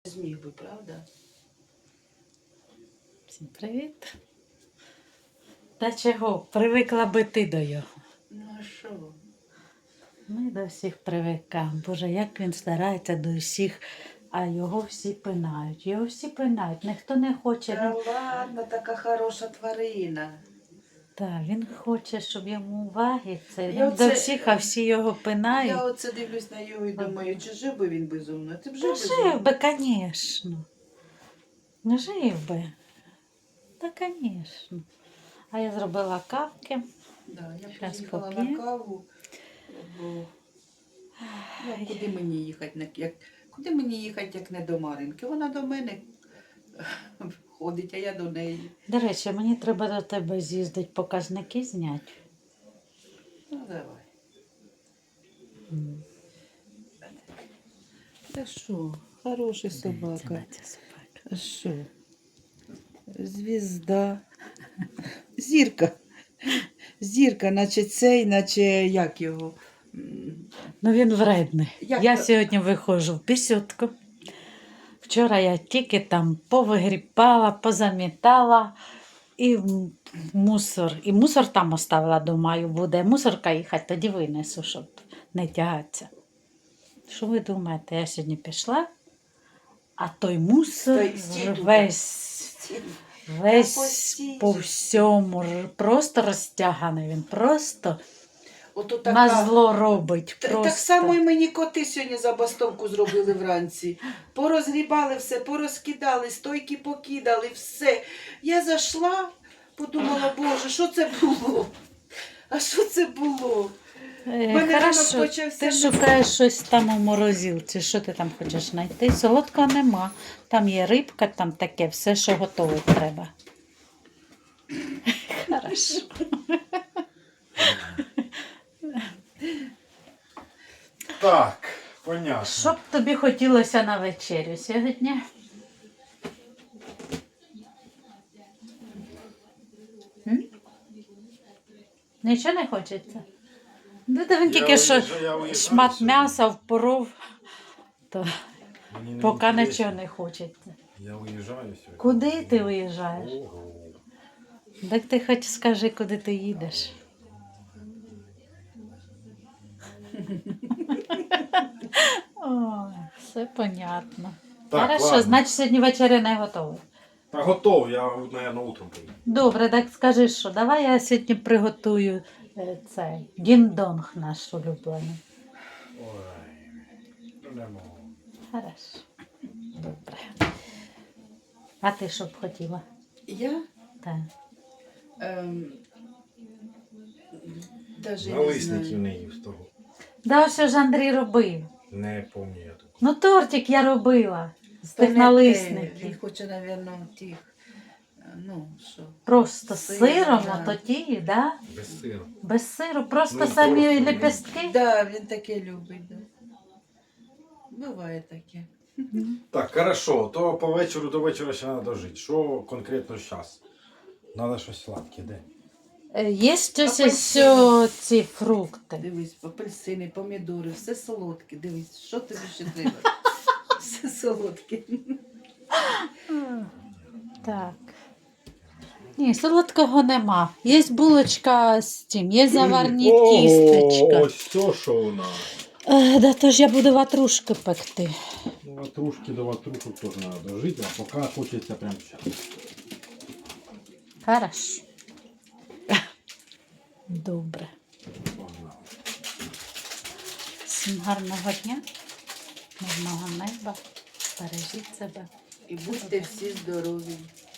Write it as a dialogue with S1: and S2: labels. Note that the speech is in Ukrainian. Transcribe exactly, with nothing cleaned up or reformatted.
S1: Зміг би, правда?
S2: Всім привіт. Та чого? Привикла би ти до його.
S1: Ну а що?
S2: Ми до всіх привикаємо. Боже, як він старається до всіх, а його всі пинають. Його всі пинають. Ніхто не хоче.
S1: Та
S2: Він...
S1: ладно, така хороша тварина.
S2: Так, він хоче, щоб йому уваги. Це
S1: Я
S2: він
S1: оце-
S2: до всіх, а всі його пинають.
S1: Я оце дивлюсь на його і думаю, чи жив би він безумно? Ти б жив
S2: Та
S1: безумно?
S2: жив би, звісно. Ну, жив би. Та, звісно. А я зробила кавки.
S1: Да, я
S2: Щас
S1: приїхала
S2: поп'ємо.
S1: на каву, бо ну, куди мені їхати, на- як, куди мені їхати, як не до Маринки? Вона до мене ходить, а я до неї.
S2: До речі, мені треба до тебе з'їздити, показники зняти.
S1: Ну, давай.
S2: М.
S1: Та що, хороший
S2: Дивіться
S1: собака.
S2: на цю собаку.
S1: А що? Звізда. Зірка. Зірка, наче цей, наче як його. М,
S2: Ну він вредний.
S1: Як
S2: Я
S1: то-
S2: сьогодні виходжу в пісютку. Вчора я тільки там повигрібала, позамітала і в мусор. І мусор там оставила, думаю, буде мусорка їхати, тоді винесу, щоб не тягатися. Що ви думаєте, я сьогодні пішла, а той мусор
S1: Той стій тут.
S2: весь, весь
S1: постій
S2: по
S1: же.
S2: всьому, р- просто розтяганий він, просто
S1: Ото така.
S2: на зло робить.
S1: Та-
S2: Просто.
S1: Так само і мені коти сьогодні забастовку зробили вранці. Порозгрібали все, порозкидали, стойки покидали, все. Я зайшла, подумала, боже, що це було? А що це було?
S2: Е,
S1: мене
S2: Хорошо,
S1: ранок почався
S2: ти
S1: не-
S2: шукаєш щось там у морозилці, що ти там хочеш знайти? Солодкого нема. Там є рибка, там таке, все, що готове треба. Хорошо.
S3: Так, понятно.
S2: Що б тобі хотілося на вечерю сьогодні? М? Нічого не хочеться? Ну, то він
S3: Я
S2: тільки що
S3: уїжджаю- я уїжджаю
S2: шмат
S3: сьогодні.
S2: м'яса впоров, то
S3: Мені не
S2: поки
S3: інтересно.
S2: нічого не хочеться.
S3: Я уїжджаю сьогодні.
S2: Куди ти виїжджаєш?
S3: Ого.
S2: Так ти хоч скажи, куди ти їдеш. Ой, все понятно.
S3: Так,
S2: Хорошо,
S3: ладно.
S2: значить сьогодні вечеря не готова.
S3: Та готов, я, наверное, утром поїду.
S2: Добре, так скажи, що давай я сьогодні приготую е, цей діндонг наш улюблений.
S3: Ой, ну не можу.
S2: Хорошо. Добре. А ти що б хотіла?
S1: Я
S2: Так.
S1: ем, даже не
S3: Налисників
S1: знаю.
S3: не їв з того.
S2: Да, що ж Андрій робив?
S3: Не пам'ятаю я такого.
S2: Ну, тортик я робила з
S1: То не
S2: тих
S1: те. Він
S2: налисників.
S1: хоче, напевно, тих, е, ну, що.
S2: Просто з
S1: Сир,
S2: сиром,
S1: да.
S2: ото ті, да?
S3: Без сиру.
S2: Без сиру, просто
S3: Ну,
S2: самі
S3: просто, ну.
S2: лепестки.
S1: Да, він таке любить, да. Буває таке.
S3: Так, хорошо, то по вечору до вечора ще треба жити. Що конкретно зараз? Треба щось сладке, де?
S2: Е, Є щось
S1: Апельсини.
S2: що ці фрукти.
S1: Дивись, апельсини, помідори, все солодке. Дивись, що тобі ще треба? Все солодке.
S2: Так. Ні, солодкого нема. Є булочка з цим, є заварні тістечка.
S3: Ось все, що у нас.
S2: Е, да то ж я буду ватрушки пекти.
S3: Ну, ватрушки до ватрушок теж треба дожити, а поки хочеться прямо зараз.
S2: Хорошо. Добре.
S3: Погнали.
S2: Всім гарного дня, мирного неба. Бережіть себе.
S1: І будьте всі здорові.